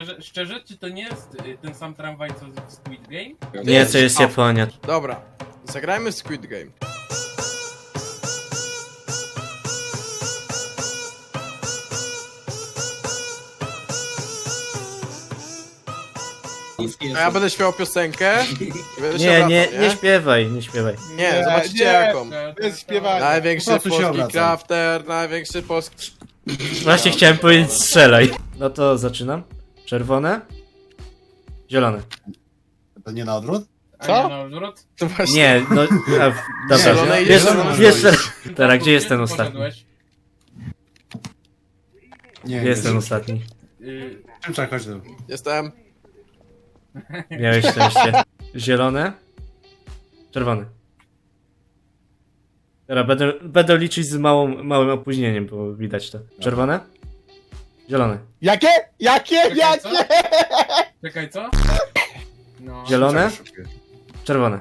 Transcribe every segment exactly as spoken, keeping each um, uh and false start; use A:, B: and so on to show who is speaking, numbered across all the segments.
A: Szczerze, szczerze, czy to nie jest y, ten sam tramwaj co w Squid Game?
B: Nie, to jest Japonia.
C: Dobra, zagrajmy Squid Game. A ja będę śpiewał piosenkę. i będę się
B: Nie,
C: obracał,
B: nie, nie śpiewaj, nie śpiewaj.
C: Nie, zobaczcie
D: nie.
C: jaką.
D: Bez śpiewania.
C: Największy
E: Po prostu się
C: polski
E: obracam.
C: crafter, największy polski...
B: Właśnie chciałem powiedzieć strzelaj. No to zaczynam. Czerwone. Zielone.
E: To nie na odwrót?
A: A
D: Co?
A: nie na odwrót?
C: To właśnie...
B: Nie, no... A, w- dobra,
C: Zielone i
B: wiesz,
C: zielone.
B: wiesz, teraz, gdzie
A: Gdzie
B: jest
A: ty
B: ten ostatni?
A: poszedłeś?
E: Nie,
B: Gdzie jest ten
E: nie.
B: ostatni?
A: Y,
E: Szymczak, chodź tu.
C: Jestem.
B: Miałeś szczęście. Zielone. Czerwone. Dobra, będę, będę liczyć z małą, małym opóźnieniem, bo widać to. Czerwone. Zielone.
D: Jakie? Jakie?
A: Czekaj, co?
D: Jakie?
A: Czekaj, co? No.
B: Zielone.
E: Szymczak już szukuje.
B: Czerwone.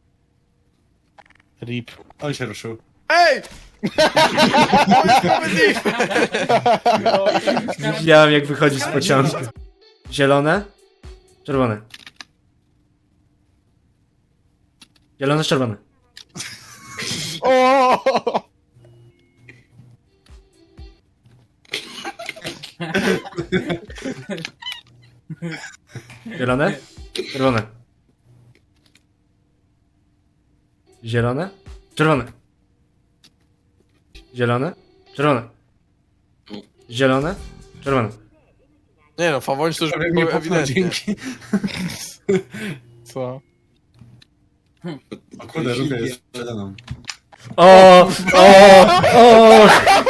D: Rip.
E: On się ruszył.
C: Ej!
A: No,
B: Widziałem jak wychodzi z pociągu. Zielone. Czerwone. Zielone, czerwone.
D: O!
B: Zielone. Czerwone. Zielone. Czerwone. Zielone. Czerwone. Zielone. Czerwone.
C: Nie no, Fawoń to już
E: Prawie
C: było
E: mnie popchnął,
C: ewidentnie.
E: dzięki.
D: Co?
E: O kurde, Ruka jest przede mną.
B: O! O! O!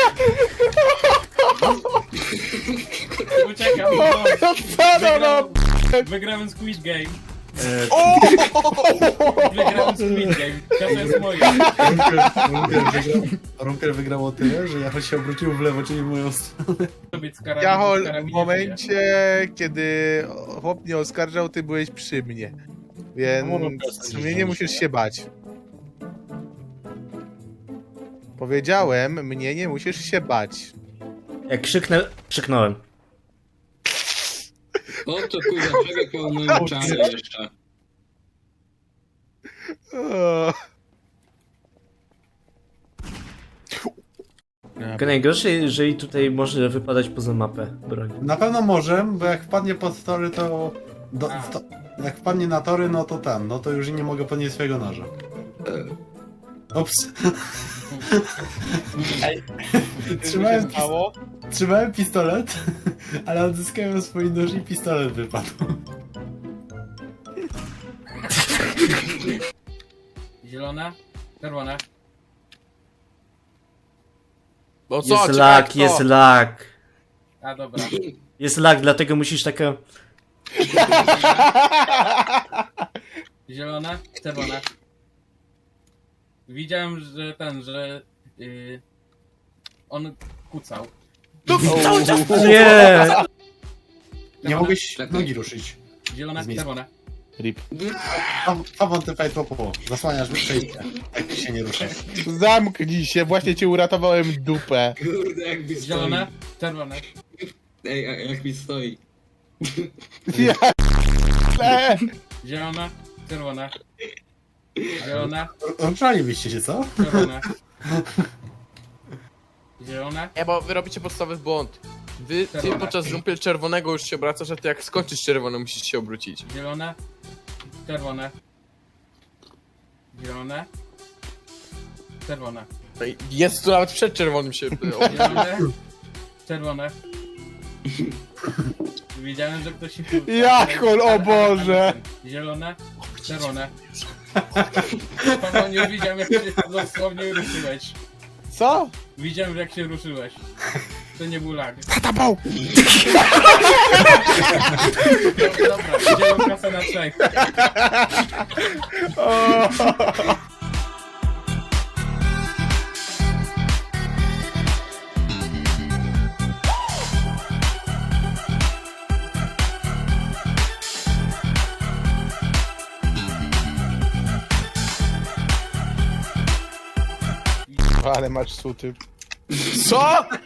A: Uciekam,
D: Co no, no?
A: wygrałem, wygrałem Squid Game.
B: E,
A: Wygrałem Squid Game. To jest moje.
E: Runker wygrał, Runker wygrał o tyle, że ja choć się obrócił w lewo, czyli w moją stronę.
A: Sobie z karabinem-
D: Jachol,
A: z
D: w
A: karabinem
D: momencie, kiedy chłop mnie oskarżał, ty byłeś przy mnie. Więc w sumie nie musisz się bać. Powiedziałem, mnie nie musisz się bać.
B: jak krzyknę, krzyknąłem.
F: O to kurwa, człowiek pełny czary jeszcze.
D: O.
B: Tylko najgorsze, jeżeli tutaj może wypadać poza mapę broń.
E: Na pewno może, bo jak wpadnie pod tory, to... Do, w to jak wpadnie na tory, no to tam, no to już nie mogę podnieść swojego noża. Ups. Trzymałem, pis
D: Mało?
E: trzymałem pistolet, ale odzyskałem swój nóż i pistolet wypadł.
A: Zielone, czerwone.
C: Bo co?
B: Jest
C: Czekaj,
B: lag,
C: kto?
B: jest lag.
A: A dobra.
B: Jest lag, dlatego musisz taka...
A: Zielone, czerwone. Widziałem, że ten, że yy, on kucał.
D: Cały czas
B: Nie!
E: Nie mogłeś
F: Czekaj.
E: nogi ruszyć.
A: Zielone,
E: Z miejsca.
A: czerwone.
D: Rip.
E: Fawon, ty fajt popo. Zasłaniasz przejście, jak się nie ruszasz.
D: Zamknij się, właśnie ci uratowałem dupę.
F: Kurde, jak mi
A: Zielone,
F: stoi.
A: czerwone.
F: Ej, a- jak mi stoi.
D: Ja e,
A: Zielone, czerwone. Zielone,
E: Ruszalibyście się, co?
A: czerwone. Zielone,
C: Nie, bo wy robicie podstawowy błąd. Wy, ty
A: Czerwone.
C: podczas rumpel czerwonego już się obracasz, a ty jak skończysz czerwony musisz się obrócić.
A: zielone, czerwone. Zielone, czerwone.
C: Ej, Jest tu nawet przed czerwonym się...
A: Zielone, czerwone. Widziałem, że ktoś się...
D: Jachol, o Boże!
A: Zielone, czerwone. Paweł, nie widziałem, jak się dosłownie ruszyłeś.
D: Co?
A: Widziałem, jak się ruszyłeś. To nie był lag.
D: Tatapał!
A: Dobra, wziąłem kasę na trzech.
D: O. Ale masz suty.
C: Co?